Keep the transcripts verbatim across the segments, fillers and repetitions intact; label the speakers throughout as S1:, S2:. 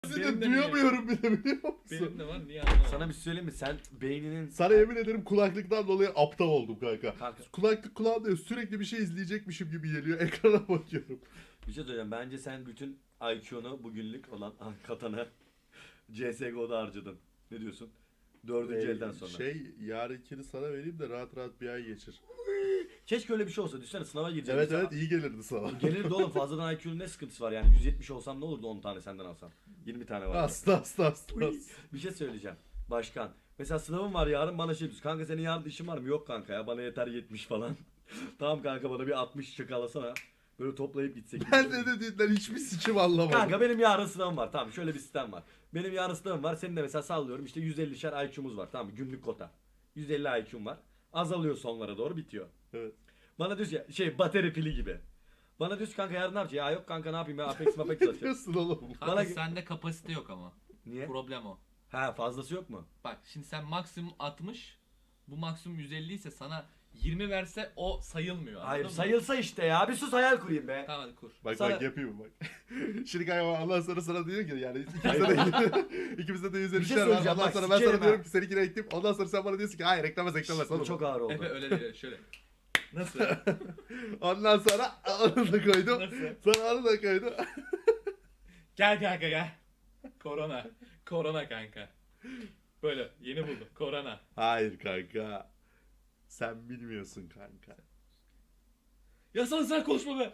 S1: Seni duyamıyorum bile, biliyor musun?
S2: Benim de var, niye anlamadım.
S3: Sana bir şey söyleyeyim mi? Sen beyninin...
S1: Sana yemin ederim kulaklıktan dolayı aptal oldum kanka.
S3: Kanka.
S1: Kulaklık kulağımda sürekli bir şey izleyecekmişim gibi geliyor. Ekrana bakıyorum.
S3: Bir şey söyleyeceğim. Bence sen bütün I Q'nu bugünlük olan katanı C S G O'da harcadın. Ne diyorsun? Dördüncü
S1: Ee,
S3: elden sonra.
S1: Şey, yarınkini sana vereyim de rahat rahat bir ay geçir.
S3: Keşke öyle bir şey olsa. Düşünsene sınava gireceğim.
S1: Evet
S3: mesela.
S1: evet, iyi gelirdi sana.
S3: Gelirdi oğlum, fazladan I Q'nun ne sıkıntısı var yani? yüz yetmiş olsam ne olurdu on tane senden alsam? yirmi tane var.
S1: Hasta hasta hasta.
S3: Uy, bir şey söyleyeceğim. Başkan. Mesela sınavım var yarın, bana şey diyorsun. Kanka senin yarın işin var mı? Yok kanka ya, bana yeter yetmiş falan. Tamam kanka, bana bir altmış çakalasana. Böyle toplayıp gitsek.
S1: Ben de dediğinden hiçbir sikim anlamadım.
S3: Kanka benim yarın sınavım var. Tamam, şöyle bir sistem var. Benim yarın sınavım var. Senin de mesela sallıyorum işte yüz ellişer I Q'muz var. Tamam mı? Günlük kota. yüz elli I Q'm var. Azalıyor, sonlara doğru bitiyor.
S1: Evet.
S3: Bana diyorsun ya şey, bateri pili gibi. Bana diyorsun kanka yarın ne yapacaksın? Ya yok kanka, ne yapayım ya, Apex Mapex
S1: Ne
S3: atacağım.
S1: diyorsun oğlum?
S2: Kanka
S3: Bana-
S2: sende kapasite yok ama.
S3: Niye?
S2: Problem o.
S3: Ha, fazlası yok mu?
S2: Bak şimdi sen maksimum altmış, bu maksimum yüz elli ise sana yirmi verse o sayılmıyor.
S3: Hayır,
S2: anladın mı?
S3: sayılsa işte ya. Bir sus, hayal kurayım be.
S2: Tamam hadi kur.
S1: Bak
S3: Sana-
S1: bak yapayım bak. Şimdi kanka Allah sonra sana diyor ki yani ikimizde de ikimizde de yüz elli
S3: Bir şey
S1: var.
S3: söyleyeceğim,
S1: Ondan
S3: bak,
S1: sonra ben sana
S3: sikerim
S1: diyorum
S3: ha.
S1: ki seninkine ektim. Ondan sonra sen bana diyorsun ki hayır eklemez eklemez.
S3: Bu
S1: oğlum.
S3: çok ağır oldu.
S2: Efe öyle değil, şöyle. Nasıl?
S1: Ondan sonra onu da koydum.
S2: Nasıl?
S1: Sonra onu da koydum.
S2: Gel kanka gel. Korona. Korona kanka. Böyle yeni buldum. Korona.
S1: Hayır kanka. Sen bilmiyorsun kanka.
S2: Ya sen sen konuşma be.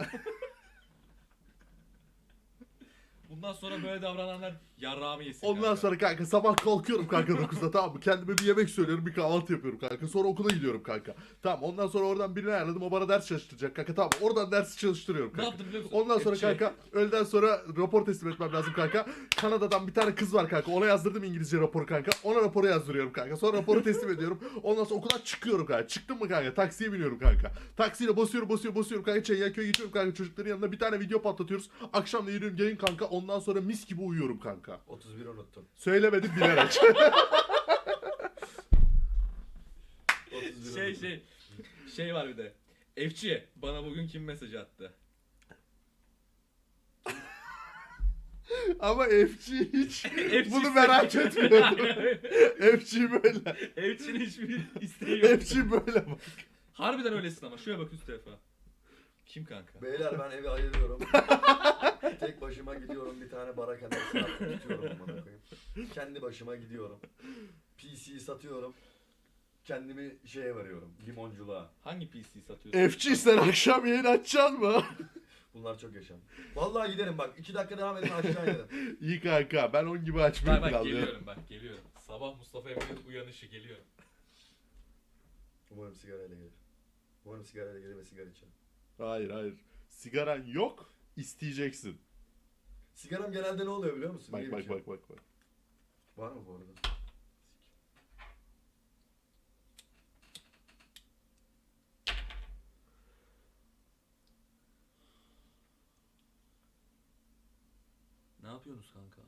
S2: Bundan sonra böyle davrananlar yarrağımı yesin
S1: Ondan
S2: kanka.
S1: sonra kanka sabah kalkıyorum kanka dokuzda, tamam mı? Kendime bir yemek söylüyorum, bir kahvaltı yapıyorum kanka. Sonra okula gidiyorum kanka. Tamam, ondan sonra oradan birini ayarladım, o bana ders çalıştıracak kanka. Tamam, oradan dersi çalıştırıyorum
S2: Ne
S1: kanka.
S2: yaptın biliyor musun?
S1: Ondan sonra
S2: Hep şey-
S1: kanka öğleden sonra rapor teslim etmem lazım kanka. Kanada'dan bir tane kız var kanka. Ona yazdırdım İngilizce raporu kanka. Ona raporu yazdırıyorum kanka. Sonra raporu teslim ediyorum. Ondan sonra okuldan çıkıyorum kanka. Çıktım mı kanka? Taksiye biniyorum kanka. Taksiyle basıyorum basıyorum basıyorum kanka. Çengelköy'e gidiyorum kanka. Çocukların yanında bir tane video patlatıyoruz. Akşam da yürüyorum gelin kanka. Ondan sonra mis gibi uyuyorum kanka.
S3: otuz bir unuttum.
S1: Söylemedim bilerek.
S3: otuz bir
S2: Şey
S3: unuttum.
S2: şey şey var bir de. Efçi bana bugün kim mesaj attı?
S1: Ama F G hiç
S2: F G
S1: bunu merak etmiyordum. F G böyle.
S2: Efçi'nin hiçbir isteği yok.
S1: F G böyle bak.
S2: Harbiden öylesin ama. Şuraya bak üst tarafa. Kim kanka?
S3: Beyler ben evi ayırıyorum. Tek başıma gidiyorum, bir tane bara kenarı tutuyorum amına koyayım. Kendi başıma gidiyorum. P C'yi satıyorum. Kendimi şeye veriyorum, limonculuğa.
S2: Hangi P C satıyorsun?
S1: F G sen akşam yayın açacaksın mı?
S3: Bunlar çok yaşam. Vallahi giderim bak, iki dakika devam edin aşağı inerim.
S1: İyi kanka, ben on gibi açmayı
S2: Bak bak
S1: planlıyorum.
S2: geliyorum bak geliyorum. Sabah Mustafa Emre'nin uyanışı geliyor.
S3: Umarım sigarayla gelir. Umarım sigarayla gelir ve sigara içerim.
S1: Hayır hayır. Sigaran yok, isteyeceksin.
S3: Sigaram genelde ne oluyor biliyor musun?
S1: Bak
S3: Niye
S1: bak
S3: içiyorum?
S1: bak bak bak.
S3: Var mı bu arada?
S2: Ne yapıyorsunuz kanka?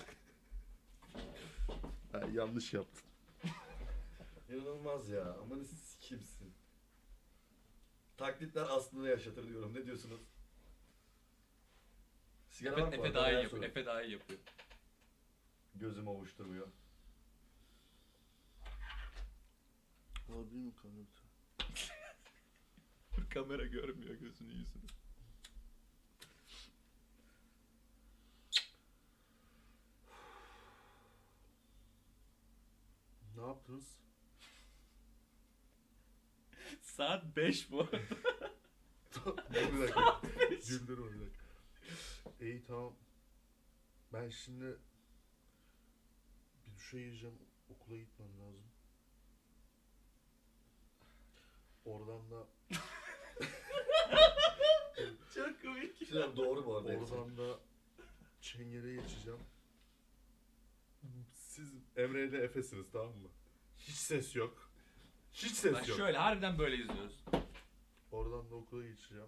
S1: Ha, yanlış yaptın.
S3: İnanılmaz ya. Aman sikimsin. Taklitler aslında yaşatır diyorum. Ne diyorsunuz? Sigara var
S2: Efe,
S3: mı bu
S2: Efe
S3: arada?
S2: daha iyi
S3: Ben
S2: yapıyor.
S3: sorayım.
S2: Efe daha iyi yapıyor.
S3: Gözüm ovuşturmuyor.
S1: Harbi mi kanka?
S2: Kamera görmüyor gözünü yüzünü.
S1: Ne yaptınız?
S2: Saat beş bu.
S1: Dur bir dakika. Güldürme bir dakika. İyi tamam. Ben şimdi bir duşa gireceğim. Okula gitmem lazım. Oradan da
S2: Çok komik.
S3: Şeyler doğru bu arada. hepsi.
S1: oradan da Çengel'e geçeceğim. Siz Emre ile Efe'siniz, tamam mı? Hiç ses yok. Hiç ses
S2: Bak
S1: yok.
S2: şöyle harbiden böyle izliyoruz.
S1: Oradan da okula geçeceğim.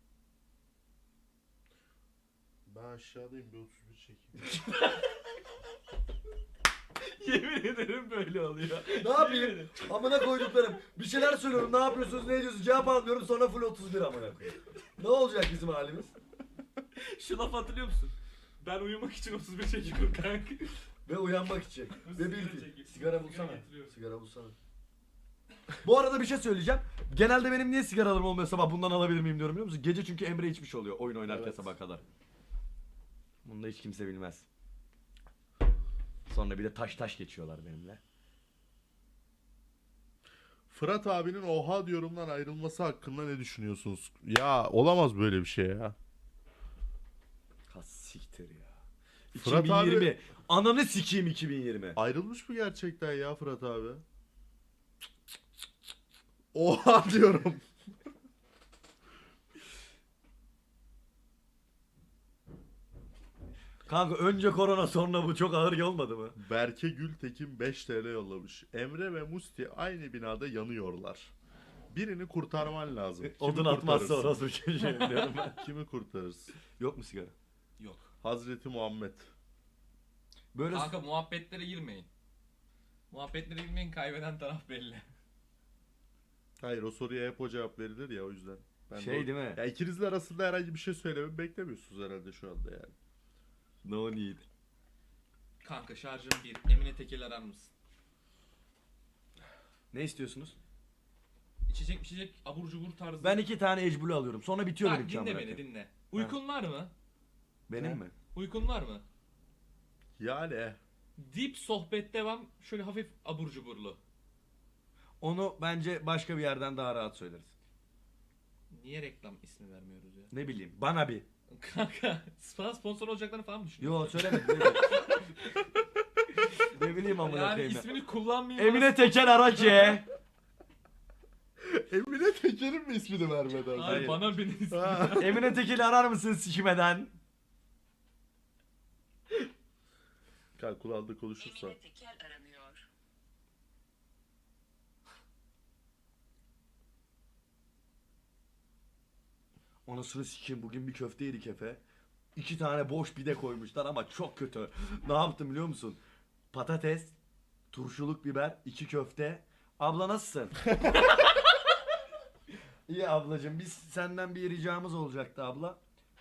S1: Ben aşağıdayım, bir otuz bir çekeyim.
S2: Yemin ederim böyle oluyor.
S3: Ne yapayım? Amına koyduklarım. Bir şeyler söylüyorum. Ne yapıyorsunuz? Ne ediyorsunuz? Cevap almıyorum. Sonra full otuz bir amına koyayım. Ne olacak bizim halimiz?
S2: Şu laf hatırlıyor musun? Ben uyumak için otuz bir çekiyorum kanka.
S3: Ve uyanmak için. Ve
S2: Sigara
S3: bil ki.
S2: çekeyim.
S3: Sigara
S2: Sigara
S3: bulsana.
S2: getiriyorum.
S3: Sigara bulsana. Bu arada bir şey söyleyeceğim. Genelde benim niye sigaralarım olmuyor sabah bundan alabilir miyim diyorum biliyor musun? Gece çünkü Emre içmiş oluyor oyun oynarken
S1: Evet.
S3: sabah kadar. Bunu da hiç kimse bilmez. Sonra bir de taş taş geçiyorlar benimle.
S1: Fırat abinin oha diyorumdan ayrılması hakkında ne düşünüyorsunuz? Ya olamaz böyle bir şey ya.
S3: Ha siktir ya.
S1: Fırat
S3: iki bin yirmi.
S1: abi-
S3: Ananı sikeyim iki bin yirmi.
S1: Ayrılmış mı gerçekten ya Fırat abi? Oha diyorum.
S3: Kanka önce korona sonra bu çok ağır olmadı mı?
S1: Berke Gültekin beş T L yollamış. Emre ve Musti aynı binada yanıyorlar. Birini kurtarman lazım. Kimi
S3: Odun atmazsa
S1: kurtarırsın?
S3: orası bir şey diyorum ben.
S1: Kimi kurtarırsın?
S3: Yok mu sigara?
S2: Yok.
S1: Hazreti Muhammed.
S3: Böyle
S2: Kanka muhabbetlere girmeyin. Muhabbetlere girmeyin, kaybeden taraf belli.
S1: Hayır, o soruya hep o cevap verilir ya, o yüzden. Ben de
S3: şey
S1: o-
S3: değil mi?
S1: Ya ikinizin arasında herhangi bir şey söylememi beklemiyorsunuz herhalde şu anda yani.
S3: No need.
S2: Kanka şarjım bir. Emine Tekel arar mısın?
S3: Ne istiyorsunuz?
S2: İçecek içecek abur cubur tarzı.
S3: Ben iki tane ecbulu alıyorum. Sonra bitiyor
S2: Bak
S3: benim
S2: dinle
S3: çamur
S2: beni
S3: hakkı.
S2: dinle. Uykun var mı?
S3: Benim
S1: Ne?
S3: mi?
S2: Uykun var mı?
S1: Yani
S2: Deep sohbet devam. Şöyle hafif abur cuburlu.
S3: Onu bence başka bir yerden daha rahat söyleriz.
S2: Niye reklam ismi vermiyoruz ya?
S3: Ne bileyim. Bana bir.
S2: Kanka sana sponsor olacaklarını falan mı düşünüyorsun?
S3: Yo söylemedim. ne bileyim. Ne bileyim amına
S2: Yani
S3: koyayım ya.
S2: ismini kullanmayayım.
S3: Emine Tekel araç ye.
S1: Emine Teker'in mi ismini vermeden?
S2: Hayır,
S3: Hayır.
S2: bana benim ismini.
S1: Ha.
S3: Emine Tekel'i arar mısın sikimeden?
S1: Kanka kulağında konuşursa.
S4: Emine Tekel aranıyor.
S3: Anasını sikeyim bugün bir köfte yedik Efe. İki tane boş pide koymuşlar ama çok kötü. Ne yaptım biliyor musun? Patates, turşuluk biber, iki köfte. Abla nasılsın? İyi ablacığım, biz senden bir ricamız olacaktı abla.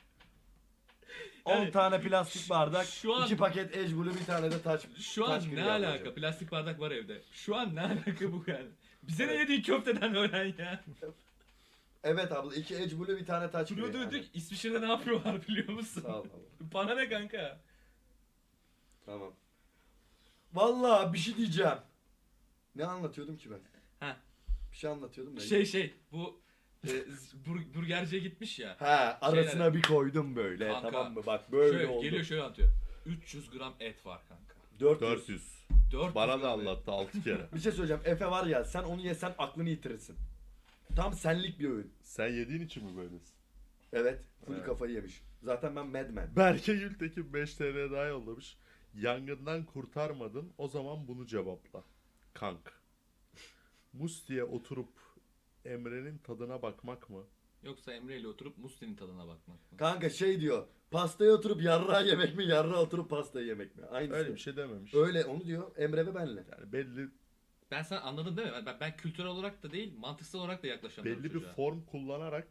S3: on
S2: Yani
S3: tane plastik bardak,
S2: şu an-
S3: iki paket ecbulu, bir tane de taç.
S2: Şu
S3: taç
S2: an
S3: gri
S2: ne
S3: ablacığım.
S2: alaka? Plastik bardak var evde. Şu an ne alaka bu yani? Bize ne yediğin köfteden öğren ya.
S3: Evet abla, iki ecbulu, bir tane taç gri.
S2: Duruyor
S3: yani.
S2: durduk İsviçre'de ne yapıyorlar biliyor musun?
S3: Sağ ol abla.
S2: Bana ne kanka?
S3: Tamam. Vallahi bir şey diyeceğim. Ne anlatıyordum ki ben?
S2: Ha.
S3: Bir şey anlatıyordum da.
S2: Şey şey bu e, z- bur- burgerciye gitmiş ya.
S3: Ha, arasına
S2: Şeyler-
S3: bir koydum böyle,
S2: Kanka,
S3: tamam mı? Bak böyle
S2: Şöyle
S3: oldu.
S2: geliyor şöyle anlatıyor. üç yüz gram et var kanka.
S3: dört yüz.
S1: dört yüz.
S2: dört yüz
S1: Bana da
S2: gram et.
S1: anlattı altı kere.
S3: Bir şey söyleyeceğim. Efe var ya, sen onu yesen aklını yitirirsin. Tam senlik bir öğün.
S1: Sen yediğin için mi böylesin?
S3: Evet. Full
S1: Evet.
S3: kafayı yemiş. Zaten ben madman.
S1: Berke Gültekin beş T L daha yollamış. Yangından kurtarmadın, o zaman bunu cevapla. Kank. Musti'ye oturup Emre'nin tadına bakmak mı?
S2: Yoksa Emre ile oturup Musti'nin tadına bakmak mı?
S3: Kanka şey diyor. Pastaya oturup yarrağı yemek mi? Yarrağı oturup pastayı yemek mi? Aynısı.
S1: Öyle bir şey dememiş.
S3: Öyle onu diyor Emre ve benle.
S1: Yani belli
S2: Ben sen anladın değil mi? Ben, ben kültürel olarak da değil, mantıksal olarak da yaklaşamıyorum
S1: belli bir
S2: çocuğa.
S1: form kullanarak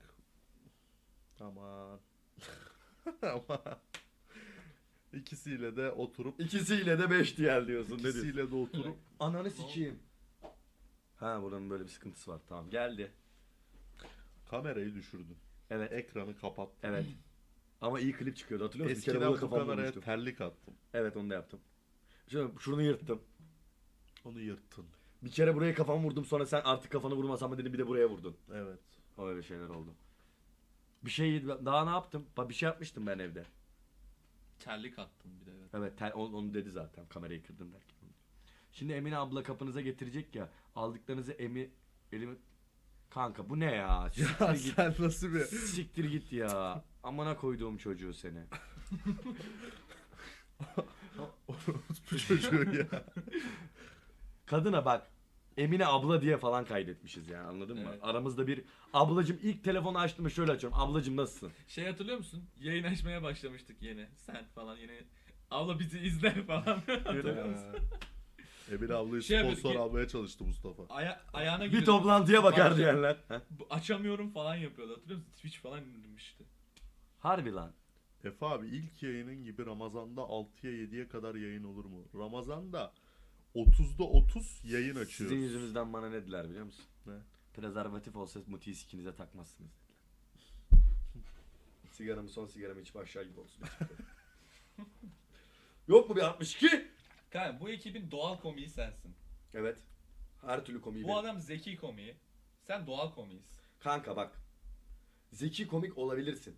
S1: aman aman ikisiyle de oturup
S3: İkisiyle de beş diğer diyorsun. Ne diyorsun?
S1: ikisiyle de oturup
S3: Ananı sikeyim. Ha, buranın böyle bir sıkıntısı var. Tamam, geldi.
S1: kamerayı düşürdün.
S3: Evet.
S1: Ekranı kapattın.
S3: Evet. Ama iyi klip çıkıyordu, hatırlıyor musun? Bir kere
S1: Eskiden
S3: burada
S1: bu
S3: kafamı
S1: kameraya
S3: vurmuştum.
S1: terlik attım.
S3: Evet, onu da yaptım. Şunu, şunu yırttım.
S1: Onu yırttın.
S3: Bir kere buraya kafamı vurdum, sonra sen artık kafanı vurmasan mı dedin, bir de buraya vurdun.
S1: Evet.
S3: Öyle şeyler oldu. Bir şey daha ne yaptım? Bak, bir şey yapmıştım ben evde.
S2: Terlik attım bir de evet.
S3: Evet, tel- onu, onu dedi zaten, kamerayı kırdım derken. Şimdi Emine abla kapınıza getirecek ya, aldıklarınızı emi elimi Kanka bu ne ya? Siktir
S1: Ya
S3: git.
S1: sen nasıl bir
S3: Siktir git ya. Amına koyduğum çocuğu seni.
S1: bu çocuğu ya.
S3: Kadına bak. Emine abla diye falan kaydetmişiz yani, anladın mı?
S2: Evet.
S3: Aramızda bir ablacım, ilk telefonu açtım şöyle açıyorum. Ablacım nasılsın?
S2: Şey hatırlıyor musun? Yayın açmaya başlamıştık yine. Sen falan yine. Abla bizi izle falan. Hatırlıyor musun?
S1: Emine ablayı
S2: Şey
S1: sponsor
S2: yapıyor,
S1: almaya çalıştı Mustafa.
S2: Aya ayağına
S3: Bir
S2: gidiyor.
S3: toplantıya bakar
S2: Bak-
S3: diyenler. Heh.
S2: Bu- Açamıyorum falan yapıyordu. Hatırlıyor musun? Twitch falan indirmişti.
S3: Harbi lan.
S1: Efe abi ilk yayının gibi Ramazan'da altıya yediye kadar yayın olur mu? Ramazan'da otuzda otuz yayın açıyoruz.
S3: Sizin yüzünüzden bana ne dediler biliyor musun?
S1: Ne?
S3: Prezervatif olsa mutiyi sikinize takmazsınız dediler. Sigaramı son sigaramı içip aşağı gibi olsun. Yok mu bir altmış iki?
S2: Kanka bu ekibin doğal komiği sensin.
S3: Evet. Her türlü komiği
S2: Bu
S3: benim.
S2: adam zeki komiği. Sen doğal komiğisin.
S3: Kanka bak. Zeki komik olabilirsin.